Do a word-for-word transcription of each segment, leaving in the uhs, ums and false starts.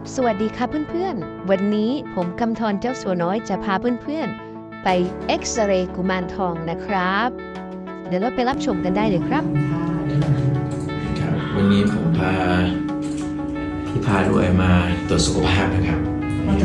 สวัสดีค่ะเพื่อนๆวันนี้ผมกำธรเจ้าสัวน้อยจะพาเพื่อนๆไปเอ็กซเรย์กุมารทองนะครับเดี๋ยวเราไปรับชมกันได้เลยครับครับวันนี้ผมพาพี่พารวยมาตรวจสุขภาพนะครับนี่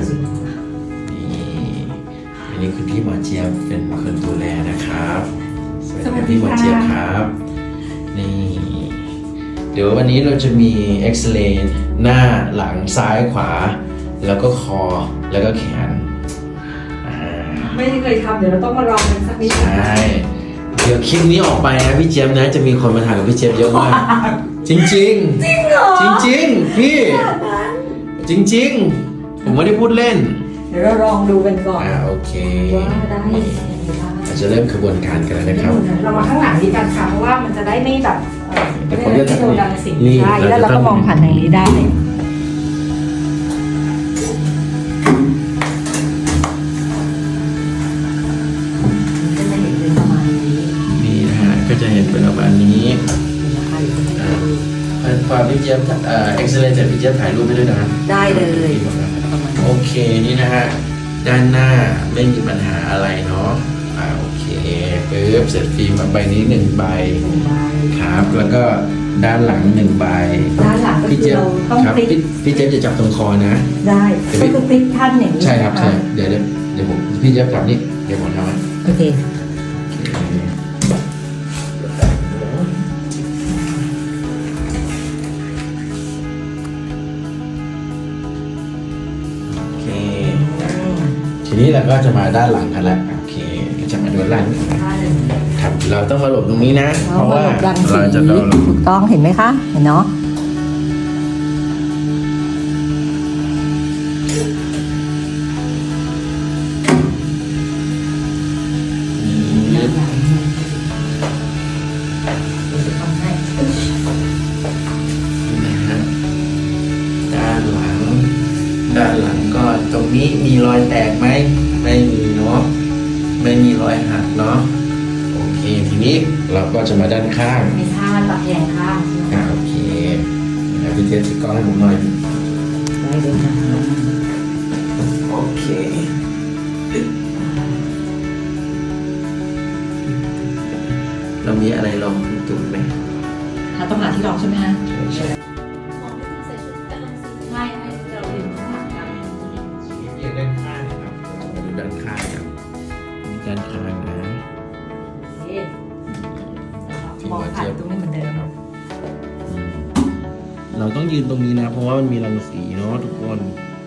อันนี้คือพี่หมอเจี๊ยบเป็นคนดูแลนะครับสวัสดีครับพี่หมอเจี๊ยบครับนี่เดี๋ยววันนี้เราจะมีเอ็กซเรย์หน้าหลังซ้ายขวาแล้วก็คอแล้วก็แขนไม่เคยทำเดี๋ยวเราต้องมาลองกันสักนิดใช่เดี๋ยวคลิปนี้ออกไปนะพี่เจี๊ยบนะจะมีคนมาถ่ายกับพี่เจี๊ยบเยอะมากจริงจริงจริงเหรอจริงจริงพี่จริงจริงผมไม่ได้พูดเล่นเดี๋ยวเราลองดูกันก่อนอ่าโอเคว่าได้เราจะเริ่มกระบวนการกันแล้วนะครับเรามาข้างหลังดีกันค่ะเพราะว่ามันจะได้ไม่แบบเดี๋ยวผมจะโดนรังสีใช่แล้วเราก็มองผ่านทางนี้ได้ก็จะเห็นเป็นประมาณนี้พอพี่เจี๊ยบเอ่อเอ็กซ์เรย์เสร็จพี่เจี๊ยบถ่ายรูปให้ด้วยนะได้เลยโอเคนี่นะฮะด้านหน้าไม่มีปัญหาอะไรเนาะอ่าโอเคปึ๊บเสร็จฟิล์มใบนี้หนึ่งใบครับแล้วก็ด้านหลังหนึ่งใบด้านหลังก็คือเราต้องพลิกพี่เจี๊ยบจะจับตรงคอนะได้ก็คือพลิกท่านอย่างนี้ใช่ครับใช่เดี๋ยวเดี๋ยวผมพี่เจี๊ยบจับนี่เดี๋ยวผมทำให้โอเคทีนี้เราก็จะมาด้านหลังกันแล้วโอเคจะมาดูด้านหลังครับเราต้องมาหลบตรงนี้นะเพราะว่าเราจะโดนถูกต้องเห็นไหมคะเห็นเนาะด้านหลังก็ตรงนี้มีรอยแตกไหมไม่มีเนาะไม่มีรอยหักเนาะโอเคทีนี้เราก็จะมาด้านข้างมีท่าตะแคงข้างอ่าโอเคนะพี่เจสกล้องให้ผมหน่อยได้เลยนะโอเคเรามีอะไรลองจุดไหมเราต้องหาที่รองใช่ไหมฮะด้านข้างครับมาดูด้านข้างครับด้านข้างนะมองผ่านตรงนี้เหมือนเดิมเราต้องยืนตรงนี้นะเพราะว่ามันมีรังสีเนาะทุกคน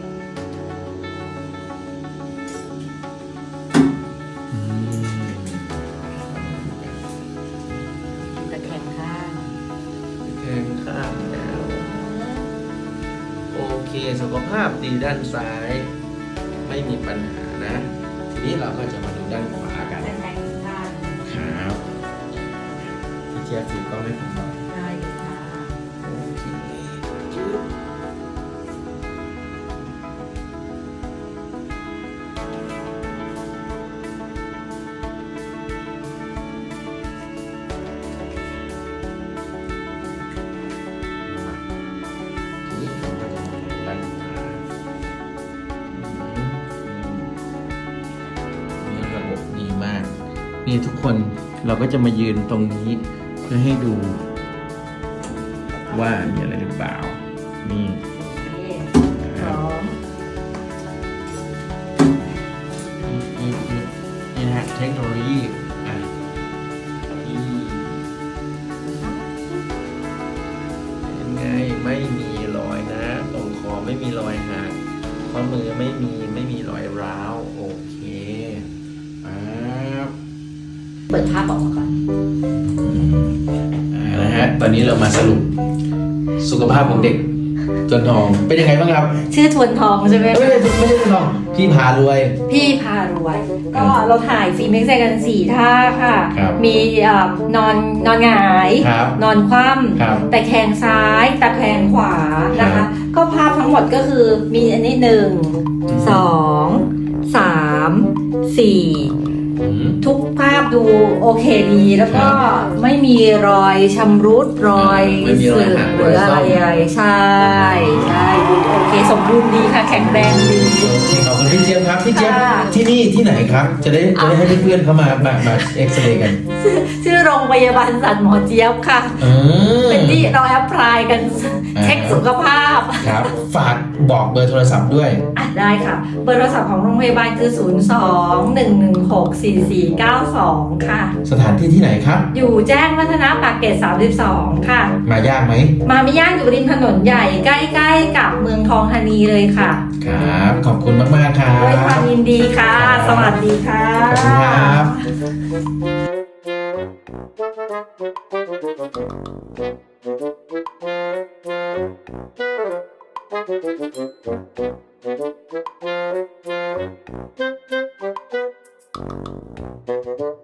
ตะแคงข้างตะแคงข้างแล้วโอเคสุขภาพดีด้านซ้ายไม่มีปัญหานะทีนี้เราก็จะมาดูด้านขวากันครับพี่เจี๊ยบถือกล้องให้ผมหน่อยได้ค่ะโอเคนี่ทุกคนเราก็จะมายืนตรงนี้เพื่อให้ดูว่ามีอะไรหรือเปล่านี่นี่นะฮะเทคโนโลยีอ่ะเป็นไงไม่มีรอยนะตรงคอไม่มีรอยหักข้อมือไม่มีไม่มีรอยร้าวโอเคเปิดภาพออกมาก่อนนะฮะตอนนี้เรามาสรุปสุขภาพของเด็กจนทองเป็นยังไงบ้างครับชื่อทวนทองใช่ไหมไม่ใช่ไม่ใช่ทวนทองพี่พารวยพี่พารวยก็เราถ่ายฟิล์มเอ็กซเรย์กันสี่ท่าค่ะมีนอนนอนหงายนอนคว่ำแต่แขนซ้ายตะแคงขวานะคะก็ภาพทั้งหมดก็คือมีอันนี้หนึ่งสองสามสี่อืมทุกภาพดูโอเคดีแล้วก็ไม่มีรอยชำรุดรอยไม่มีรอยหักหรืออะไรรอยซ่อมใช่ใช่ดูโอเคสมบูรณ์ดีค่ะแข็งแรงดีโอเคขอบคุณพี่เจี๊ยบครับพี่เจี๊ยบค่ะที่นี่ที่ไหนครับ จะได้จะได้ให้เพื่อนๆเข้ามามามาเอ็กซเรย์กันชื่อโรงพยาบาลสัตว์หมอเจี๊ยบค่ะเออเป็นที่เราแอปพลายกันอ่าเช็คสุขภาพครับฝากบอกเบอร์โทรศัพท์ด้วยอ่ะได้ค่ะ เบอร์โทรศัพท์ของโรงพยาบาลคือ ศูนย์ สอง หนึ่ง หนึ่ง หก สี่ สี่ เก้า สอง ค่ะสถานที่ที่ไหนครับอยู่แจ้งวัฒนะปากเกร็ดสามสิบสอง ค่ะมายากไหมมาไม่ย่างอยู่ริมถนนใหญ่ใกล้ๆกับเมืองทองธานีเลยค่ะครับ ขอบคุณมากๆครัด้วยความบยินดีค่ะครับสวัสดีค่ะขอบคุณครับ Thank you.